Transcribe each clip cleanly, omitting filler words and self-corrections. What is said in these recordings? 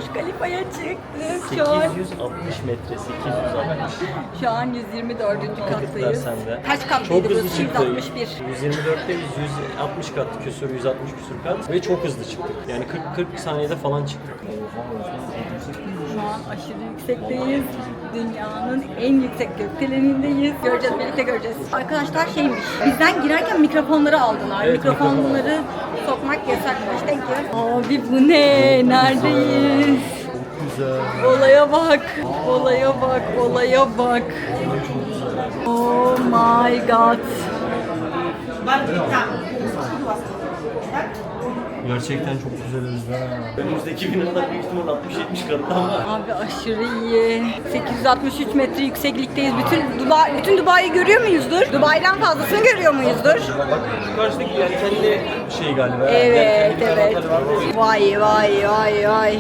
Kalifa'ya çıktık. Şu an 860 metre, 860. Şu an 124. kattayız. Sende. Kaç katlıydı Çok burası? hızlı çıktı. 161. 124'teyiz, 160 kat küsur, 160 küsur kat ve çok hızlı çıktık. Yani 40 saniyede falan çıktık. Şu an aşırı yüksekteyiz. Dünyanın en yüksek gökdelenindeyz. Göreceğiz, birlikte göreceğiz. Arkadaşlar şeymiş, bizden girerken mikrofonları aldılar. Evet, Mikrofonları sokmak yasakmış. Thank you. Abi bu ne? Neredeyiz? Güzel. Olaya bak, olaya bak, olaya bak. Oh my god. Gerçekten çok güzel Özlem. Önümüzdeki binalar büyük ihtimal 60-70 katta ama. Abi aşırı iyi. 863 metre yükseklikteyiz. Bütün Dubai'yi görüyor muyuzdur? Dubai'den fazlasını görüyor muyuzdur? Bak şu karşıdaki yani kendi şey galiba. Evet, Kendi evet. kanatları var mı? Vay vay vay vay.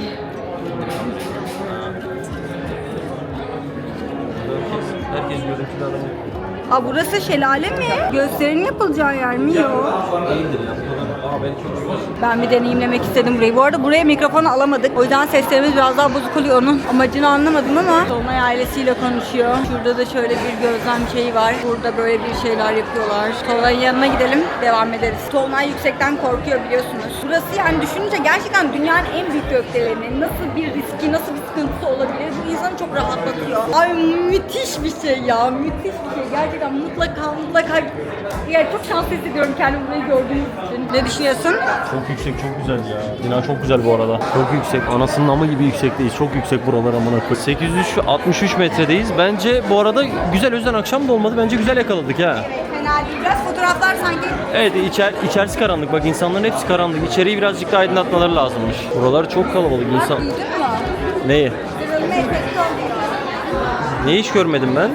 Herkes görüntülü aranıyor. Aa burası şelale mi? Gösterinin yapılacağı yer mi? Yok. Değildir ya. Aa belki çok güzel. Ben bir deneyimlemek istedim burayı. Bu arada buraya mikrofonu alamadık. O yüzden seslerimiz biraz daha bozuk oluyor. Onun amacını anlamadım ama Dolunay ailesiyle konuşuyor. Şurada da şöyle bir gözlem şeyi var. Burada böyle bir şeyler yapıyorlar. Tolunay'ın yanına gidelim. Devam ederiz. Tolunay yüksekten korkuyor biliyorsunuz. Burası yani düşününce gerçekten dünyanın en büyük gökdeleni. Nasıl bir riski, nasıl bir sıkıntısı olabilir? Bu insanı çok rahatlatıyor. Ay müthiş bir şey ya. Müthiş bir şey. Gerçekten mutlaka yani çok şanslı hissediyorum kendimi burayı gördüğünüz için. Ne düşünüyorsun? Çok yüksek, çok güzel ya. Bina çok güzel bu arada. Çok yüksek. Anasının amı gibi yüksekteyiz. Çok yüksek buralar amına koy. 863 metredeyiz. Bence bu arada güzel, o yüzden akşam da olmadı. Bence güzel yakaladık ha. Evet, fena değil. Biraz fotoğraflar sanki. Evet, içerisi karanlık. Bak insanların hepsi karanlık. İçeriği birazcık daha aydınlatmaları lazımmış. Buralar çok kalabalık insan. Duydun mu? Neyi? Kırılma efekti oluyor. Ne hiç görmedim ben?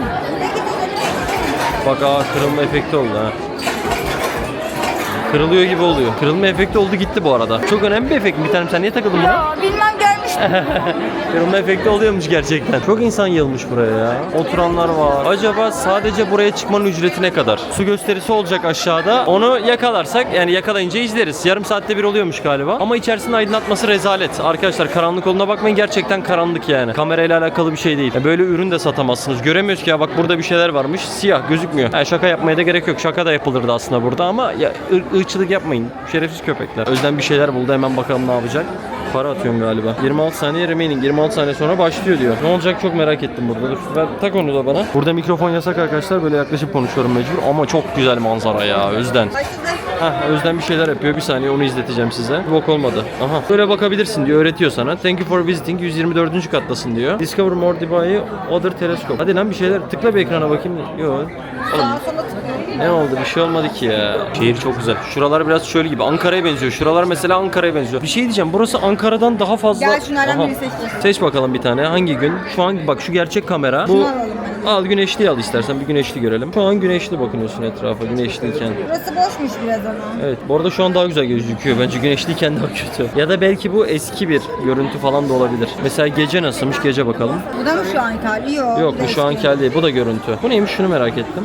Bak kırılma efekti oldu ha. Kırılıyor gibi oluyor. Kırılma efekti oldu gitti bu arada. Çok önemli bir efekt mi? Bir tanem sen niye takıldın buna? Ya bilmem görmüştüm. Kırılma efekti oluyormuş gerçekten. Çok insan yığılmış buraya ya. Oturanlar var. Acaba sadece buraya çıkmanın ücreti ne kadar? Su gösterisi olacak aşağıda. Onu yakalarsak yani yakalayınca izleriz. Yarım saatte bir oluyormuş galiba. Ama içerisinde aydınlatması rezalet. Arkadaşlar karanlık olduğuna bakmayın. Gerçekten karanlık yani. Kamerayla alakalı bir şey değil. Böyle ürün de satamazsınız. Göremiyoruz ki ya bak burada bir şeyler varmış. Siyah gözükmüyor. Yani şaka yapmaya da gerek yok. Şaka da yapılırdı aslında burada ama ya ırkçılık yapmayın. Şerefsiz köpekler. Özlem bir şeyler buldu. Hemen bakalım ne yapacak. Para atıyorum galiba. 26 saniye remaining. 26 saniye sonra başlıyor diyor. Ne olacak çok merak ettim burada. Dur ver, tak onu da bana. Burada mikrofon yasak arkadaşlar. Böyle yaklaşıp konuşuyorum mecbur. Ama çok güzel manzara ya Özden. Özden bir şeyler yapıyor. Bir saniye onu izleteceğim size. Bok olmadı. Aha. Böyle bakabilirsin diyor. Öğretiyor sana. Thank you for visiting. 124. kattasın diyor. Discover more Dubai other telescope. Hadi lan bir şeyler. Tıkla bir ekrana bakayım. Yok. Ne oldu? Bir şey olmadı ki ya. Şehir çok güzel. Şuralar biraz şöyle gibi. Ankara'ya benziyor. Şuralar mesela Ankara'ya benziyor. Bir şey diyeceğim. Burası Ankara'dan daha fazla... Gel şunlardan birini seçeceğiz. Seç bakalım bir tane. Hangi gün? Şu an bak şu gerçek kamera. Bu... Al güneşli al istersen. Bir güneşli görelim. Şu an güneşli bakıyorsun etrafa. Güneşliyken. Burası boşmuş biraz ama. Evet. Bu arada şu an daha güzel gözüküyor. Bence güneşliyken daha kötü. Ya da belki bu eski bir görüntü falan da olabilir. Mesela gece nasılmış? Gece bakalım. Bu da mı şu anki hali? Yok bu şu anki hali değil. Bu da görüntü. Bu neymiş? Şunu merak ettim.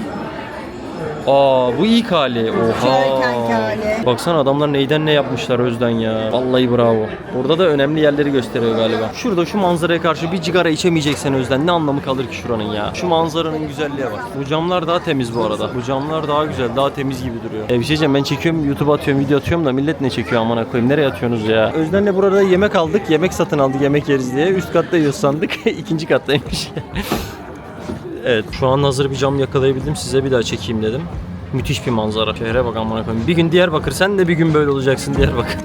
Bu ilk hali. Oha. Çölkenki hali. Baksana adamlar neyden ne yapmışlar Özden ya. Vallahi bravo. Burada da önemli yerleri gösteriyor galiba. Şurada şu manzaraya karşı bir cigara içemeyeceksen Özden ne anlamı kalır ki şuranın ya. Şu manzaranın güzelliğe bak. Bu camlar daha temiz bu arada. Bu camlar daha güzel, daha temiz gibi duruyor. Bir şey diyeceğim, ben çekiyorum, YouTube'a atıyorum, video atıyorum da millet ne çekiyor amına koyayım. Nereye atıyorsunuz ya? Özden'le burada yemek aldık. Yemek satın aldık, yemek yeriz diye. Üst katta yiyoruz sandık. İkinci kattaymış. Evet, şu an hazır bir cam yakalayabildim. Size bir daha çekeyim dedim. Müthiş bir manzara. Şehre bak amına koyayım. Bir gün Diyarbakır, sen de bir gün böyle olacaksın Diyarbakır.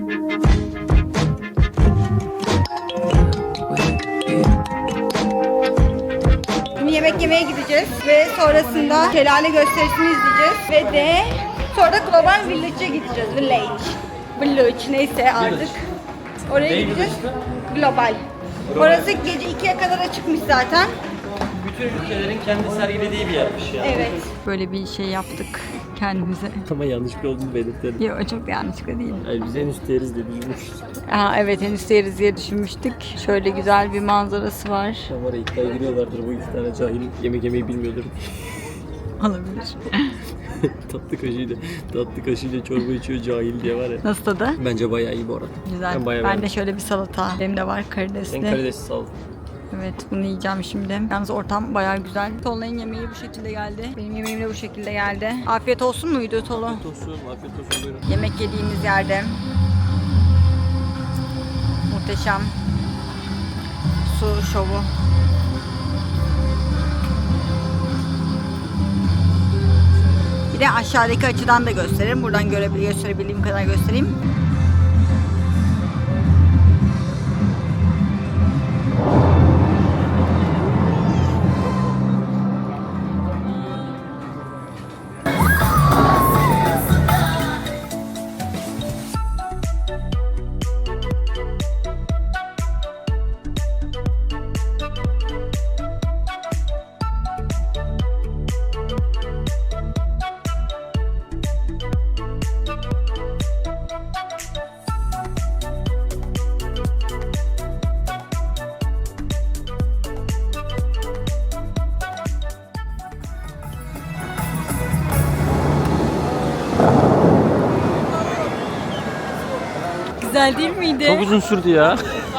Şimdi yemek yemeye gideceğiz ve sonrasında şelale gösterisini izleyeceğiz ve de sonra da Global Village'e gideceğiz. Village neyse artık. Oraya gideceğiz. Global. Orası gece 2'ye kadar açıkmış zaten. Bütün ülkelerin kendi sergilediği bir yermiş ya. Evet. Böyle bir şey yaptık kendimize. Ama yanlışlıkla olduğunu belirtelim. Yok çok yanlışlıkla değil. Yani biz en üst yeriz diye düşünmüştük. Evet henüz yeriz diye düşünmüştük. Şöyle güzel bir manzarası var. Şamara iddiaya giriyorlardır bu iki tane cahil yemek yemeyi bilmiyordur. Olabilir. tatlı kaşığıyla çorba içiyor cahil diye var ya. Nasıl tadı? Bence bayağı iyi bu arada. Güzel. Ben bayağı Ben de beğendim. şöyle bir salata. Benim de var karidesli. Ben karidesi sağ ol. Evet, bunu yiyeceğim şimdi. Yalnız ortam bayağı güzel. Tolunay'ın yemeği bu şekilde geldi. Benim yemeğim de bu şekilde geldi. Afiyet olsun muydu Tolu? Afiyet olsun buyurun. Yemek yediğimiz yerde. Muhteşem. Su şovu. Bir de aşağıdaki açıdan da gösteririm. Buradan gösterebildiğim kadar göstereyim. Güzel değil miydi? Çok uzun sürdü ya.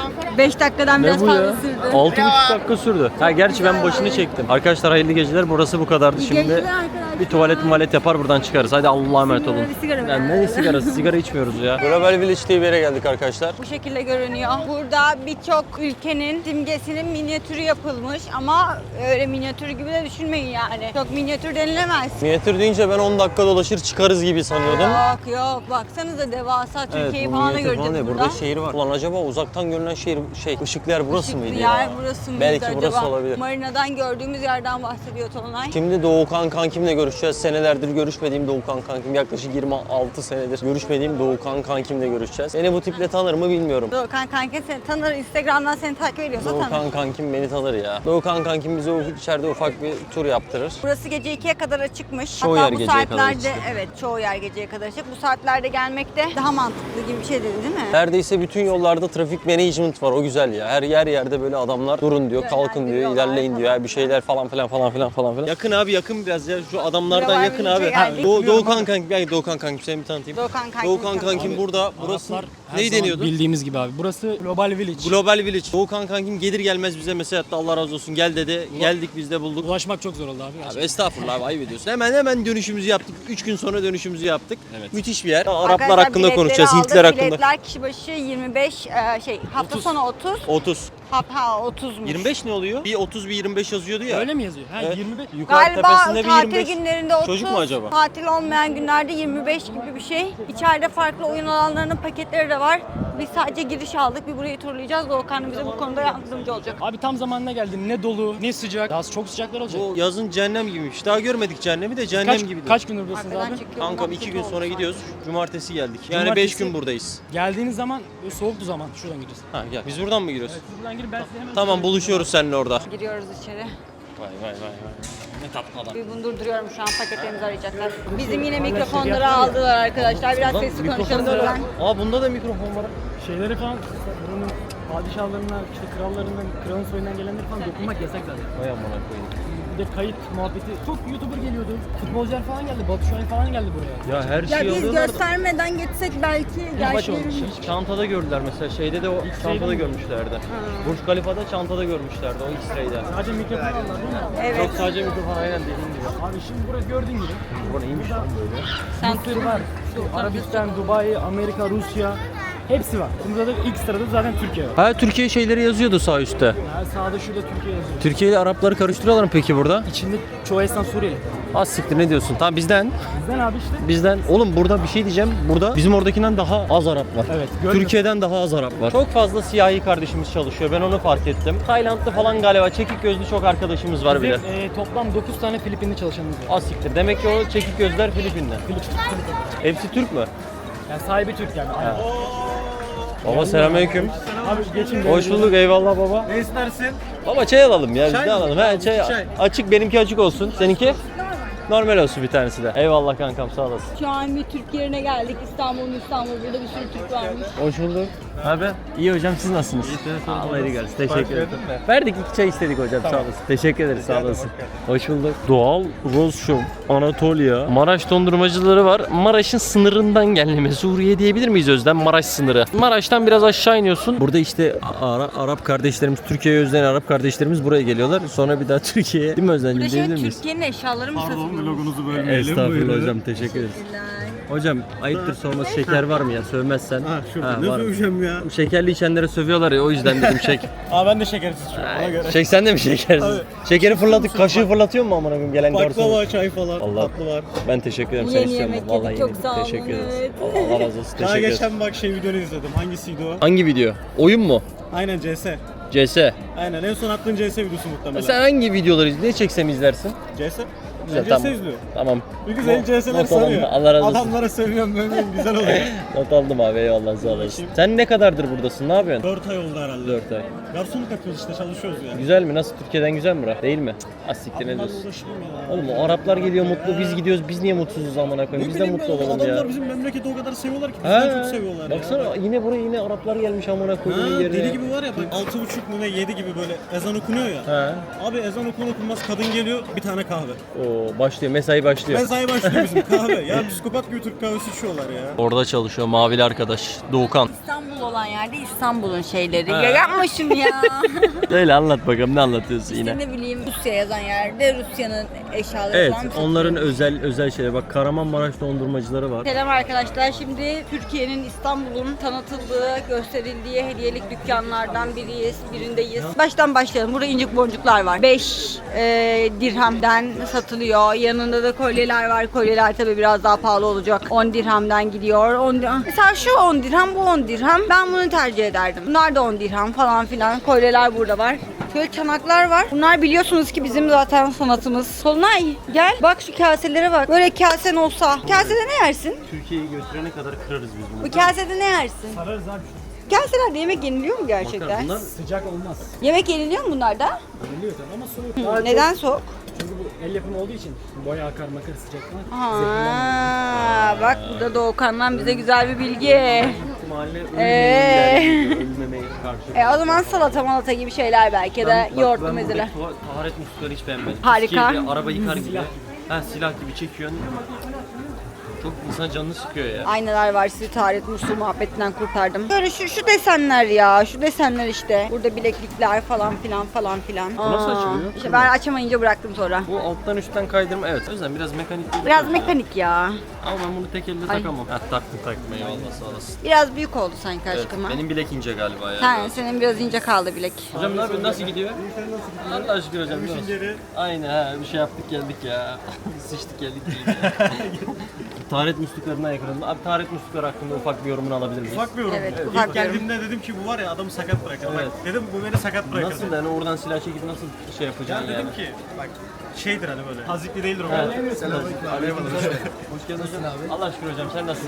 5 dakikadan Ne biraz bu fazla ya? sürdü. 6,5 dakika sürdü. Ha gerçi ben başını çektim. Arkadaşlar hayırlı geceler. Burası bu kadardı. Şimdi geceler arkadaşlar. bir tuvalet yapar buradan çıkarız. Hadi Allah'a emanet olun. Bir sigara Yani ver. ne sigarası? Sigara içmiyoruz ya. Global Village diye bir yere geldik arkadaşlar. Bu şekilde görünüyor. Burada birçok ülkenin simgesinin minyatürü yapılmış ama öyle minyatür gibi de düşünmeyin yani. Çok minyatür denilemez. Minyatür deyince ben 10 dakika dolaşır çıkarız gibi sanıyordum. Yok baksanıza devasa Türkiye'yi bu falan da minyatür göreceğiz falan değil. burada. Burada şehir var. Ulan acaba uzaktan görünen şehir ışıklı yer burası Işıklı mıydı yer ya? burası mıydı Belki acaba? burası olabilir. Marina'dan gördüğümüz yerden bahsediyor Tolunay. Şimdi Doğukan kankimle görüşeceğiz. Senelerdir görüşmediğim Doğukan kankim. Yaklaşık 26 senedir görüşmediğim Doğukan kankimle görüşeceğiz. Beni bu tiple tanır mı bilmiyorum. Doğukan kanka seni tanır, Instagram'dan seni takip ediyorsa tanır. Doğukan kankim beni tanır ya. Doğukan kankim bize içeride ufak bir tur yaptırır. Burası gece 2'ye kadar açıkmış. Çoğu Hatta yer bu geceye kadar saatlerde açık. evet çoğu yer geceye kadar açık. Bu saatlerde gelmek de daha mantıklı gibi bir şey dedi değil mi? Neredeyse bütün yollarda trafik management var. O güzel ya. Her yerde böyle adamlar durun diyor, kalkın diyor, ilerleyin diyor. Bir şeyler falan filan. Yakın abi yakın biraz ya. Şu adamlardan Buralar yakın bilince abi. geldik. Doğukan kankim. Yani Doğukan kankim seni bir tanıtayım. Doğukan kankim. Doğukan kankim burada. Burası Her neyi zaman deniyordu? Bildiğimiz gibi abi. Burası Global Village. Global Village. Doğukan kankim gelir gelmez bize mesaj attı. Allah razı olsun gel dedi. Geldik biz de bulduk. Ulaşmak çok zor oldu abi. Abi gerçekten. estağfurullah abi ayıp ediyorsun. Hemen dönüşümüzü yaptık. 3 gün sonra dönüşümüzü yaptık. Evet. Müthiş bir yer. Araplar Arkadaşlar, hakkında biletleri konuşacağız. aldık. Hintliler hakkında. Biletler kişi başı 25 hafta 30. sonu 30. 30. 30'muş. 25 ne oluyor? Bir 30 bir 25 yazıyordu ya. Öyle mi yazıyor? Ha Evet. 25. Yukarı Galiba tepesinde bir tatil 25. günlerinde 30, Çocuk mu acaba? tatil olmayan günlerde 25 gibi bir şey. İçeride farklı oyun alanlarının paketleri de var. Biz sadece giriş aldık. Bir burayı turlayacağız. Doğukan bize bu konuda yardımcı olacak. Abi tam zamanına geldin. Ne dolu, ne sıcak. Daha çok sıcaklar olacak. Bu yazın cehennem gibiymiş. Daha görmedik cehennemi de cehennem gibi. Kaç gündür buradasınız Arkadan abi? çıkıyor. Kankam 2 gün sonra gidiyoruz. Cumartesi geldik. Yani Cumartesi- 5 gün buradayız. Geldiğiniz zaman böyle soğuktu zaman. Şuradan gideceğiz. Ha gel. Biz buradan mı giriyoruz? Evet, siz buradan girin ben size hemen... Tamam buluşuyoruz seninle orada. Giriyoruz içeri. Vay. Ne tatlı adam. Bir bundur duruyorum şu an paketlerimizi arayacaklar. Bizim yine mikrofonları aldılar arkadaşlar. Biraz sesli konuşalım lütfen. Aa bunda da mikrofon var. Şeyleri falan, buranın padişahlarından, işte krallarından, kralın soyundan gelenleri falan dokunmak yasak zaten. Vay amına koyayım. Bir de kayıt muhabbeti. Çok YouTuber geliyordu. Futbolcular falan geldi. Batu Şahin falan geldi buraya. Ya her Ya şeyi biz alıyorlar da. göstermeden geçsek belki gerçeklerini... Çantada gördüler mesela şeyde de o çantada mi? görmüşlerdi. Burj Khalifa'da çantada görmüşlerdi o X-ray'de. Sadece mikrofon aldılar değil mi? Evet. Yok sadece mikrofon aynen dediğin gibi. Abi şimdi burası gördüğün gibi. Bu neymiş lan böyle? Sen Bir sürü var. Arabistan, Dubai, Amerika, Rusya. Hepsi var. Burada da ilk sırada zaten Türkiye var. Ha Türkiye şeyleri yazıyordu sağ üstte. Yani sağda şurada Türkiye yazıyor. Türkiye ile Arapları karıştırıyorlar mı peki burada? İçinde çoğu esnaf Suriyeli. Az siktir ne diyorsun? Tamam bizden. Bizden abi işte. Bizden. Oğlum burada bir şey diyeceğim. Burada bizim oradakinden daha az Arap var. Evet, görmüyorum. Türkiye'den daha az Arap var. Çok fazla siyahi kardeşimiz çalışıyor. Ben onu fark ettim. Taylandlı falan galiba. Çekik gözlü çok arkadaşımız var bile. Bizim, toplam 9 tane Filipinli çalışanımız var. Az siktir. Demek ki o çekik gözler Filipin'de. Hepsi Türk mü? Yani sahibi Türk yani. Aynen. Baba selamünaleyküm. Abi geçin. Hoş bulduk. Eyvallah baba. Ne istersin? Baba çay alalım ya. Biz Çay de mı? alalım. Tamam, He, çay. iki çay. Açık benimki açık olsun. Seninki? Normal olsun bir tanesi de. Eyvallah kankam sağ olasın. Şu an bir Türk yerine geldik. İstanbul. Burada bir sürü Türk varmış. Hoş bulduk. Abi iyi hocam, siz nasılsınız? Allah iyilik versin. Teşekkür ederim. Verdik, 2 çay istedik hocam. Sağ olasın. Teşekkür ederiz. Sağ olasın. Hoş bulduk. Doğal Roz Show Anatolia. Maraş dondurmacıları var. Maraş'ın sınırından gelme. Suriye diyebilir miyiz Özlem? Maraş sınırı. Maraş'tan biraz aşağı iniyorsun. Burada işte Arap kardeşlerimiz, Türkiye'ye özleyen Arap kardeşlerimiz buraya geliyorlar. Sonra bir daha Türkiye'ye. Değil mi Özlemciğim? Burada Diyebilir şimdi miyiz? Türkiye'nin eşyaları mı satılıyor? Pardon, vlogunuzu bölmeyelim. Estağfurullah hocam. Teşekkür ederiz. Hocam ayıptır sorması, şeker var mı ya? Sövmezsen. Ha şurada ne var. söveceğim ya? Şekerli içenlere sövüyorlar ya, o yüzden dedim çek. Aa ben de şekersiz şu ona göre. Çek sen de mi şekersiz? Şekeri fırlatıp kaşığı fırlatıyor mu amına koyayım gelen garson? Baklava, çay falan, Allah. tatlı var. Ben teşekkür ederim, sen Yeni istiyorum. yemek Vallahi yedik, çok yedim. sağ olun, Teşekkür ederiz. evet. Allah razı olsun. Daha Teşekkür ederiz. geçen bak videonu izledim. Hangisiydi o? Hangi video? Oyun mu? Aynen CS. CS. Aynen en son attığın CS videosu muhtemelen. Sen hangi videoları ne çeksem izlersin? CS? Güzel, Ben tamam. CS izliyorum. Tamam. Bir güzel CS'ler not aldım. sarıyor. Allah razı olsun. Adamlara sövüyorum ben güzel oluyor. Not aldım abi, eyvallah, sağ olasın. Sen ne kadardır buradasın? Ne yapıyorsun? 4 ay oldu herhalde. 4 ay. Garsonluk yapıyoruz işte, çalışıyoruz yani. Güzel mi? Nasıl? Türkiye'den güzel mi bura? Değil mi? Asiktir ne Adamlarla diyorsun? uğraşayım ya. Oğlum o Araplar geliyor mutlu, biz gidiyoruz, biz niye mutsuzuz amına koyayım? Biz de bileyim mutlu ben, olalım adamlar ya. bizim memleketi o kadar seviyorlar ki bizden çok seviyorlar Baksana ya. yine buraya yine Araplar gelmiş amına koyduğun Ha, yerine. deli gibi var ya bak 6.30 mu ne 7 gibi böyle ezan okunuyor ya. He. Abi ezan okunmaz kadın geliyor bir tane kahve. Oo, başlıyor, mesai başlıyor. Mesai başlıyor bizim kahve. Ya psikopat gibi Türk kahvesi içiyorlar ya. Orada çalışıyor mavili arkadaş Doğukan. İstanbul olan yerde İstanbul'un şeyleri. Ha. Ya yapma şunu ya. Öyle anlat bakalım, ne anlatıyorsun İşte yine? ne bileyim Rusya yazan yerde Rusya'nın eşyaları Evet, falan satılıyor. onların özel şeyler. Bak Kahramanmaraş dondurmacıları var. Selam arkadaşlar. Şimdi Türkiye'nin, İstanbul'un tanıtıldığı, gösterildiği hediyelik dükkanlardan birindeyiz. Baştan başlayalım. Burada incik boncuklar var. 5 dirhemden satılıyor. Yanında da kolyeler var. Kolyeler tabii biraz daha pahalı olacak. 10 dirhemden gidiyor. 10 dirhem. Mesela şu 10 dirhem, bu 10 dirhem. Ben bunu tercih ederdim. Bunlar da 10 dirhem falan filan. Kolyeler burada var. Şöyle çanaklar var. Bunlar biliyorsunuz ki bizim zaten sanatımız. Solunay gel. Bak şu kaselere bak. Böyle kasen olsa. Kasede ne yersin? Türkiye'yi gösterene kadar kırarız biz bunu. Bu kasede ne yersin? Sararız abi. Kaselerde yemek yeniliyor mu gerçekten? Bunlar Sıcak olmaz. Yemek yeniliyor mu bunlarda? Biliyor tabii ama soğuk. Daha Neden soğuk? Çünkü bu el yapımı olduğu için boya akar makar sıcaktan. Ha, bak burada Doğukan'dan bize güzel bir bilgi. mahalle ölmemeye karşı. O zaman salata malata gibi şeyler belki ya da yoğurtlu mezeler. Taharet muslukları hiç beğenmedim. Harika. Türkiye'de araba yıkar gibi. Ha, silah gibi çekiyorsun. Çok insan canını sıkıyor ya. Aynalar var, sizi taharet musluğu muhabbetinden kurtardım. Böyle şu desenler ya, şu desenler işte. Burada bileklikler falan filan falan filan. Bu nasıl açılıyor? İşte ben açamayınca bıraktım sonra. Bu alttan üstten kaydırma, evet. O yüzden biraz mekanik değil. Biraz mekanik ya. Ama ben bunu tek elle Ay. takamam. Ha, taktım eyvallah, sağ olasın. Biraz büyük oldu sanki Evet, aşkıma. benim bilek ince galiba ya. Senin biraz ince kaldı bilek. Hocam ne yapıyorsun? Nasıl gidiyor? Allah aşkına hocam. İşin geri. Aynen ha, bir şey yaptık geldik ya. Sıçtık geldik Taharet musluklarına yakınım. Abi taharet muslukları hakkında ufak bir yorumunu alabilir miyiz? Ufak bir yorum. Evet, İlk ufak bir yorum. geldiğimde dedim ki bu var ya adamı sakat bırakır. Evet. Bak dedim bu beni sakat bırakır. Nasıl yani oradan silah çekip nasıl şey Ya yapacaksın dedim yani? ki bak şeydir hani böyle. Hazikli değildir o. Evet. Evet. Hoş geldin hocam. Allah aşkına hocam sen nasılsın?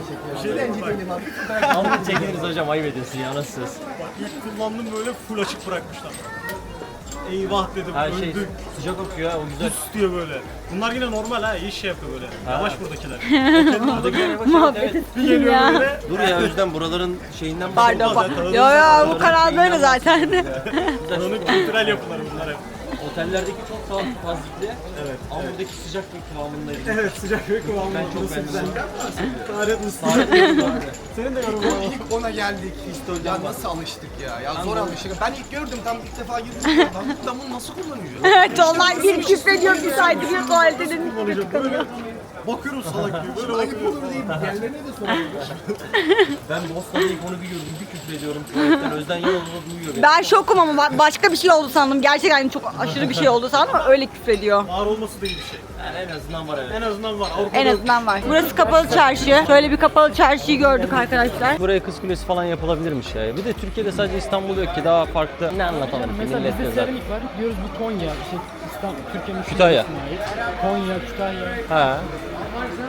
Aldık çekiliriz hocam, ayıp ediyorsun ya, nasılsınız? Bak ilk kullandım böyle full açık bırakmışlar. Eyvah dedim Her şey öldük. sıcak okuyor ha, o güzel. Pus diyor böyle. Bunlar yine normal ha iyi şey yapıyor böyle. Yavaş buradakiler. Muhabbet Bir geliyor ya. böyle. Dur ya Özlem, buraların şeyinden Pardon. zaten, Yo bu kanal böyle zaten. Onun kültürel yapıları bunlar hep. Otellerdeki çok sağlıklı fazlikli. Evet. Ama buradaki sıcaklık kıvamındaydı. Evet sıcak ve kıvamlı. Ben çok beğendim. Taharet musluğu. Senin de yorumun var. İlk ona geldik. Ya nasıl alıştık ya? Ya zor alıştık. Ben ilk gördüm tam ilk defa girdim. Ben bunu nasıl kullanıyor? Evet onlar bir küfrediyor, bir saydırıyor tuvalete dedim. Böyle bakıyorum salak gibi. Böyle Ayıp bakıyorum. olur değil mi? Diğerlerine de soralım. Ben Boston'da ilk onu bir gördüm, bir küfür ediyorum. Tuvaletten Özden Yalın'ı duyuyor beni. Ben şokum ama başka bir şey oldu sandım. Gerçekten çok aşırı bir şey oldu sandım ama öyle küfrediyor. Ağır olması da iyi bir şey. Yani en azından var evet. En azından var. Avrupa'da En azından var. Burası kapalı çarşı. Şöyle bir kapalı çarşıyı gördük arkadaşlar. Buraya Kız Kulesi falan yapılabilirmiş ya. Bir de Türkiye'de sadece İstanbul yok ki, daha farklı. Ne anlatalım ki Mesela millet bizde diyor zaten. seramik var. Diyoruz bu Konya, işte İstanbul, Türkiye'nin şu Kütahya. bölgesine ait. Konya, Kütahya. Ha.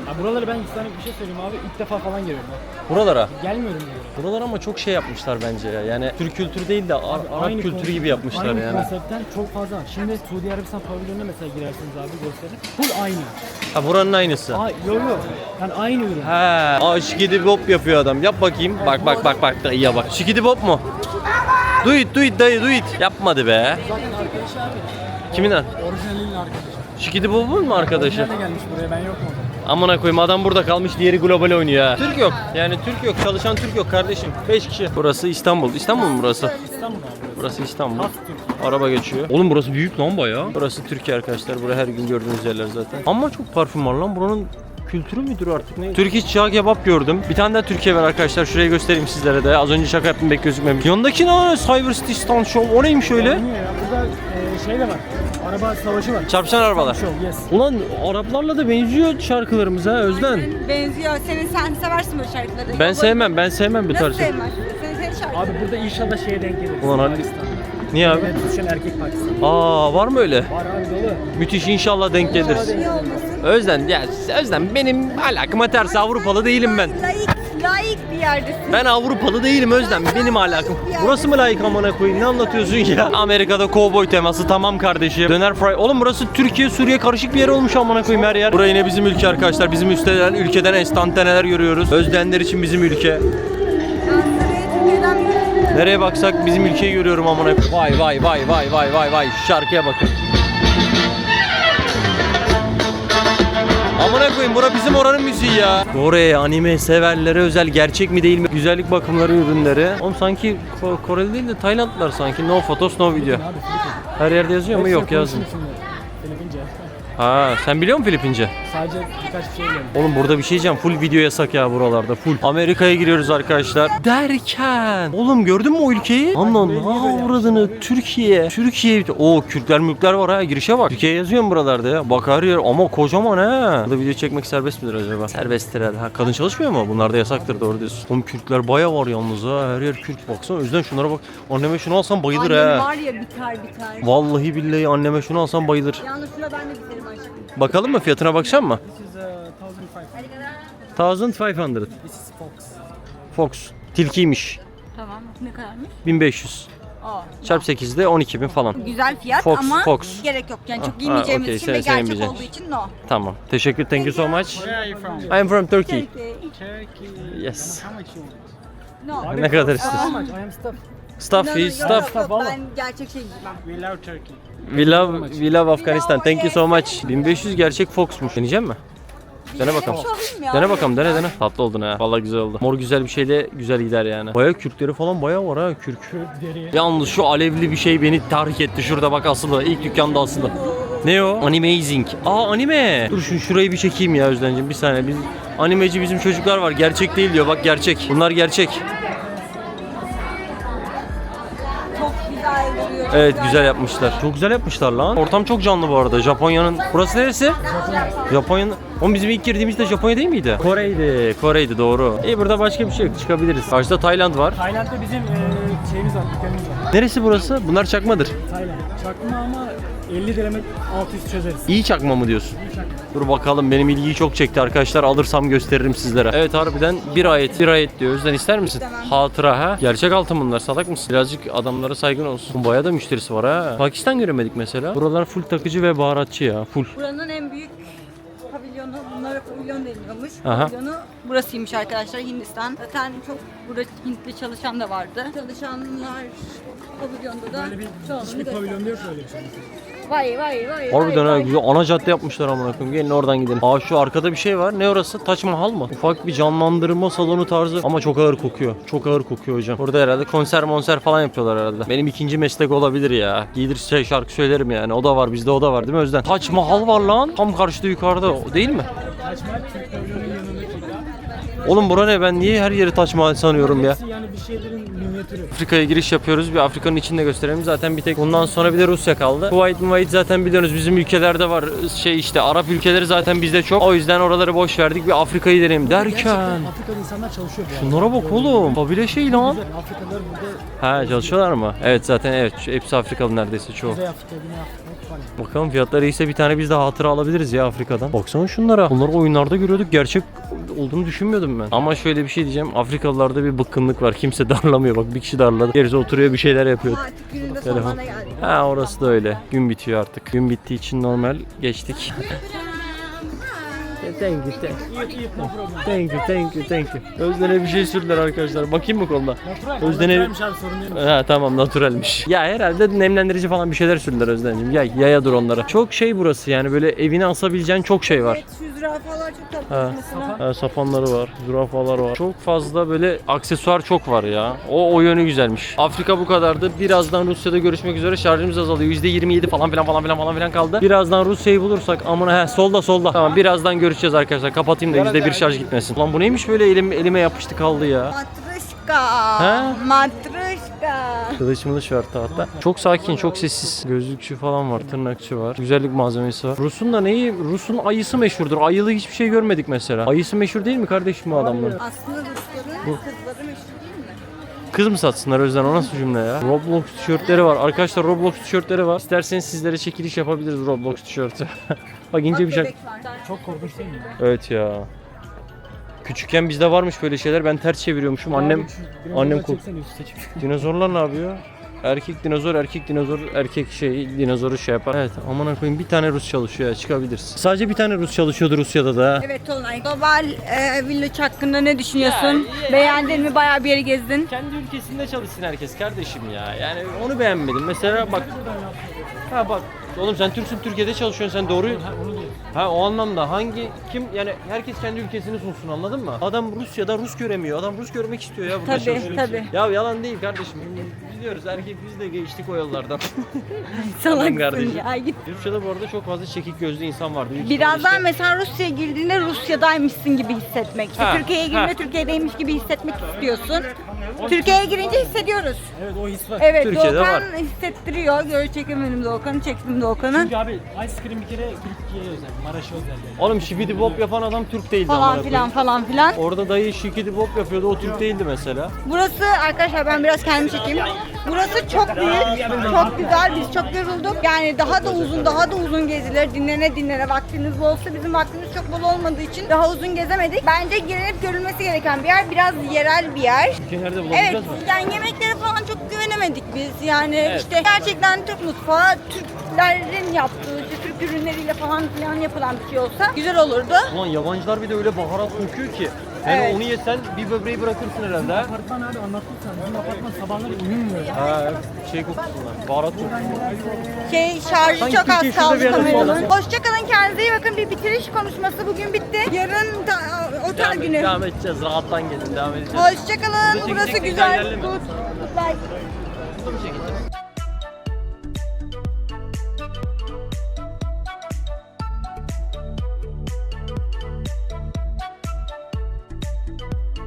Ya buraları ben sana bir şey söyleyeyim abi. İlk defa falan geliyorum. Buralara. Gelmiyorum diyorum. Buralar ama çok şey yapmışlar bence ya. Yani Türk kültürü değil de Arap kültürü gibi yapmışlar aynı yani. konseptten çok fazla var. Şimdi Suudi Arabistan pavilyonuna mesela girersiniz abi gösterin. Full aynı. Ha buranın aynısı. Yok. Yani aynı ürün. He. Şikidi bop yapıyor adam. Yap bakayım. Bak dayıya bak. Şikidi bop mu? Do it dayı do it. Yapmadı be. Zaten arkadaşı abi. Kimin lan? Orijinalinin arkadaşı. Şikidi bop'un mu arkadaşı? Nerede gelmiş buraya ben yok mu? Amına koyayım adam burada kalmış diğeri global oynuyor ha. Türk yok. Yani Türk yok. Çalışan Türk yok kardeşim. 5 kişi. Burası İstanbul. İstanbul mu burası? İstanbul abi. Burası İstanbul. Has Türkiye. Araba geçiyor. Oğlum burası büyük lan bayağı. Burası Türkiye arkadaşlar. Burası her gün gördüğünüz yerler zaten. Ama çok parfüm var lan. Buranın kültürü müdür artık ne? Türk iç çağ kebap gördüm. Bir tane daha Türkiye var arkadaşlar. Şuraya göstereyim sizlere de. Az önce şaka yaptım pek gözükmemiş. Yanındaki ne? Cyber City Stunt Show. O neymiş öyle? Bilmiyor ya. Burada şey de var. Araba savaşı var. Çarpışan arabalar. Show, yes. Ulan Araplarla da benziyor şarkılarımız ha Özden. Benziyor. Sen seversin böyle şarkıları. Ben sevmem bu Nasıl tarz. sevmezsin? Senin şarkı. Abi burada inşallah şeye denk gelir. Ulan hadi. Pakistan'da. Niye abi? Yine düşen erkek Pakistan. Var mı öyle? Var abi dolu. Müthiş inşallah denk gelir. Niye olmasın? Özden benim alakama ters Avrupalı değilim ben. Layık bir yerdesin. Ben Avrupalı değilim Özlem. Benim alakam. Burası mı layık amına koyayım? Ne anlatıyorsun ya? Amerika'da kovboy teması tamam kardeşim. Döner fry. Oğlum burası Türkiye Suriye karışık bir yer olmuş amına koyayım her yer. Burası yine bizim ülke arkadaşlar. Bizim ülkeden enstantaneler görüyoruz. Özdenler için bizim ülke. Ben Suriye Türkiye'den bir Nereye baksak bizim ülkeyi görüyorum amına koyayım. Vay. Şu şarkıya bakın. Amına koyayım bura bizim oranın müziği ya. Oraya anime severlere özel gerçek mi değil mi? Güzellik bakımları ürünleri. Oğlum sanki Koreli değil de Taylandlılar sanki. No photos no video. Abi Filipin. Her yerde yazıyor mu? Yok yazmıyor. Filipince. Ha sen biliyor musun Filipince? Sadece birkaç bir şey biliyorum. Oğlum burada bir şey diyeceğim. Full video yasak ya buralarda. Full. Amerika'ya giriyoruz arkadaşlar. Derken. Oğlum gördün mü o ülkeyi? Aman avradını Türkiye. O Kürtler var ha. Girişe bak. Türkiye yazıyor mu buralarda ya? Bak her yer ama kocaman ha. Burada video çekmek serbest midir acaba? Serbesttir herhalde. Ha, kadın çalışmıyor mu? Bunlar da yasaktır doğru diyorsun. Oğlum Kürtler baya var yalnız ha. Her yer Kürt baksana. O yüzden şunlara bak. Anneme şunu alsam bayılır annem ha. var ya biter. Vallahi billahi anneme şunu alsam bayılır. Yalnız şuna ben de biterim aşkım. Bakalım mı fiyatına bakacağım mı? This is 1500. 1500. This is Fox. Fox. Tilkiymiş. Tamam. Ne kadarmış? 1500. Çarp 8'de 12.000 falan. Güzel fiyat Fox, ama Fox. gerek yok. Yani çok Ha, giymeyeceğimiz okey, için ve sen gerçek giymeyeceksin. olduğu için no. Tamam. Teşekkür. Thank you so much. Where are you from? I am from Turkey. Turkey. Yes. How much you want? No. Ne kadar How istiyorsun? much? I am stuff. Stuff is stuff. Ben gerçek şey giymem. We love Turkey. We love Afghanistan. Thank you so much. 1500 gerçek Fox'muş. Deneyecek mi? Dene bakalım. Şu alayım ya. Dene bakalım dene. Tatlı oldun ha. Vallahi güzel oldu. Mor güzel bir şeyle güzel gider yani. Bayağı Kürtleri falan bayağı var ha Kürk. Yalnız şu alevli bir şey beni tahrik etti. Şurada bak asılı. İlk dükkanda asılı. Ne o? Animazing. Anime. Dur şurayı bir çekeyim ya Özden'cim bir saniye. Animeci bizim çocuklar var. Gerçek değil diyor. Bak gerçek. Bunlar gerçek. Çok güzel duruyor. Evet güzel yapmışlar. Çok güzel yapmışlar lan. Ortam çok canlı bu arada. Japonya'nın. Burası neresi? Japonya'nın. Oğlum bizim ilk girdiğimizde Japonya değil miydi? Kore'ydi doğru. Burada başka bir şey yok. Çıkabiliriz. Karşıda Tayland var. Tayland'da bizim şeyimiz var, dükkanımız var. Neresi burası? Bunlar çakmadır. Tayland. Çakma ama 50 direme alt üst çözeriz. İyi çakma mı diyorsun? İyi çakma. Dur bakalım benim ilgiyi çok çekti arkadaşlar. Alırsam gösteririm sizlere. Evet harbiden bir ayet diyor. Özden ister misin? Hatıra ha. Gerçek altın bunlar. Salak mısın? Birazcık adamlara saygın olsun. Bayağı da müşterisi var ha. Pakistan göremedik mesela. Buralar full takıcı ve baharatçı ya. Full. Buranın en büyük pavilyonu, bunlara pavilyon deniyormuş. Aha. Pavilyonu burasıymış arkadaşlar, Hindistan. Zaten çok burada Hintli çalışan da vardı. Çalışanlar pavilyonda da Böyle bir çoğunluğunu hiçbir gösteriyor. pavilyonda yok öyle bir şey. Vay. Harbiden ha güzel. Ana cadde yapmışlar amına koyayım. Gelin oradan gidelim. Şu arkada bir şey var. Ne orası? Taç Mahal mı? Ufak bir canlandırma salonu tarzı ama çok ağır kokuyor. Çok ağır kokuyor hocam. Burada herhalde konser falan yapıyorlar herhalde. Benim ikinci meslek olabilir ya. Giydir şarkı söylerim yani. O da var bizde o da var değil mi Özden? Taç Mahal var lan. Tam karşıda yukarıda. O değil mi? Taç Mahal Türk pavilyonun yanındaki. Oğlum bura ne? Ben niye her yeri Taç Mahal sanıyorum ya? Hepsi yani bir şeylerin minyatürü. Afrika'ya giriş yapıyoruz. Bir Afrika'nın içinde gösterelim. Zaten bir tek bundan sonra bir de Rusya kaldı. Kuwait zaten biliyorsunuz bizim ülkelerde var. İşte Arap ülkeleri zaten bizde çok. O yüzden oraları boş verdik. Bir Afrika'yı deneyelim derken. Gerçekten Afrika'da insanlar çalışıyor bu arada. Şunlara bak oğlum. Kabile şey lan. Güzel, Afrikalılar burada Ha çalışıyorlar mı? Evet zaten evet. Hepsi Afrikalı neredeyse çoğu. Kuzey Afrika, Güney Afrika. funny. Bakalım fiyatları iyiyse bir tane biz de hatıra alabiliriz ya Afrika'dan. Baksana şunlara. Bunları oyunlarda görüyorduk. Gerçek olduğunu düşünmüyordum ben. Ama şöyle bir şey diyeceğim. Afrikalılarda bir bıkkınlık var. Kimse darlamıyor. Bak bir kişi darladı. Gerisi oturuyor bir şeyler yapıyor. Artık günün de Telefon. sonuna geldik. Ha orası da öyle. Gün bitiyor artık. Gün bittiği için normal geçtik. Thank you, thank you. Özden'e bir şey sürdüler arkadaşlar. Bakayım mı koluna? Özden'e... Naturalmiş abi, sorun değil. Ha tamam naturalmiş. Ya herhalde nemlendirici falan bir şeyler sürdüler Özden'cim. Yaya dur onlara. Çok şey burası yani böyle evine asabileceğin çok şey var. Evet, şu zürafalar çok Ha. tatlı mesela. Ha, sapanları var, zürafalar var. Çok fazla böyle aksesuar çok var ya. O yönü güzelmiş. Afrika bu kadardı. Birazdan Rusya'da görüşmek üzere. Şarjımız azalıyor. %27 falan filan kaldı. Birazdan Rusya'yı bulursak amına solda. Tamam birazdan görüşeceğiz arkadaşlar. Kapatayım da %1 şarj gitmesin. Lan bu neymiş böyle elime yapıştı kaldı ya. Matruşka. Ha? Matruşka. Kılıç var tahta. Çok sakin, çok sessiz. Gözlükçü falan var, tırnakçı var. Güzellik malzemesi var. Rus'un da neyi? Rus'un ayısı meşhurdur. Ayılı hiçbir şey görmedik mesela. Ayısı meşhur değil mi kardeşim bu adamların? Aslında Rusların kızları meşhur değil mi? Kız mı satsınlar Özden? O nasıl cümle ya? Roblox tişörtleri var. Arkadaşlar Roblox tişörtleri var. İsterseniz sizlere çekiliş yapabiliriz Roblox tişörtü. Bak ince bir şey. Bebek var. Çok korkunç değil mi? Evet ya. Küçükken bizde varmış böyle şeyler. Ben ters çeviriyormuşum. Annem Çeksene üstü seçip. dinozorlar ne yapıyor? Erkek dinozor, erkek dinozoru şey yapar. Evet, aman koyayım bir tane Rus çalışıyor ya, çıkabilirsin. Sadece bir tane Rus çalışıyordu Rusya'da da. Evet Tolunay. Global Village hakkında ne düşünüyorsun? Beğendin mi? Bayağı bir yeri gezdin. Kendi ülkesinde çalışsın herkes kardeşim ya. Yani onu beğenmedim. Mesela bak. Ha bak. Oğlum sen Türksün, Türkiye'de çalışıyorsun sen doğru. Ha o anlamda kim yani herkes kendi ülkesini sunsun anladın mı? Adam Rusya'da Rus göremiyor. Adam Rus görmek istiyor ya burada çalışıyor. Tabii. Ya yalan değil kardeşim. Biliyoruz erkek biz de geçtik o yollardan. Salaksın kardeşim. ya git. Rusya'da bu arada çok fazla çekik gözlü insan vardı. Birazdan İşte- mesela Rusya'ya girdiğinde Rusya'daymışsın gibi hissetmek. İşte Ha, Türkiye'ye girdiğinde Türkiye'deymiş gibi hissetmek istiyorsun. Türkiye'ye girince hissediyoruz. Evet o his var. Evet Türkiye'de Doğukan var. hissettiriyor. Göğü çekemedim Doğukan'ı, çektim Doğukan'ı. Çünkü abi ice cream bir kere Türkiye'ye özel, Maraş'a özel yani. Oğlum şibidi bop yapan adam Türk değildi amına Falan koyayım. filan. Orada dayı şikidi bop yapıyordu o Türk değildi mesela. Burası arkadaşlar ben biraz kendimi çekeyim. Burası çok büyük, çok güzel. Biz çok yorulduk. Yani daha da uzun gezilir. Dinlene vaktiniz bolsa bizim vaktimiz çok bol olmadığı için daha uzun gezemedik. Bence girilip görülmesi gereken bir yer. Biraz yerel bir yer. Ülke nerede Evet, bulabileceğiz mi? yani yemeklere falan çok güvenemedik biz. Yani Evet. işte gerçekten Türk mutfağı, Türklerin yaptığı, işte Türk ürünleriyle falan filan yapılan bir şey olsa güzel olurdu. Ulan yabancılar bir de öyle baharat kokuyor ki. Yani Evet. onu yesen bir böbreği bırakırsın herhalde ha. Apartman abi anlattım sana. Bizim apartman sabahları uyumuyor ya. Ha, şey kokusundan, baharat kokusundan. Şarjı Sanki çok az Türkiye şurada bir kaldı yerde kameranın. bağlı. Hoşçakalın, kendinize iyi bakın. Bir bitiriş konuşması bugün bitti. Yarın da, otel günü. Devam edeceğiz, rahattan gelin, devam edeceğiz. Hoşçakalın. Burada Burası çekecek güzel. ilerleme. Good. Good life.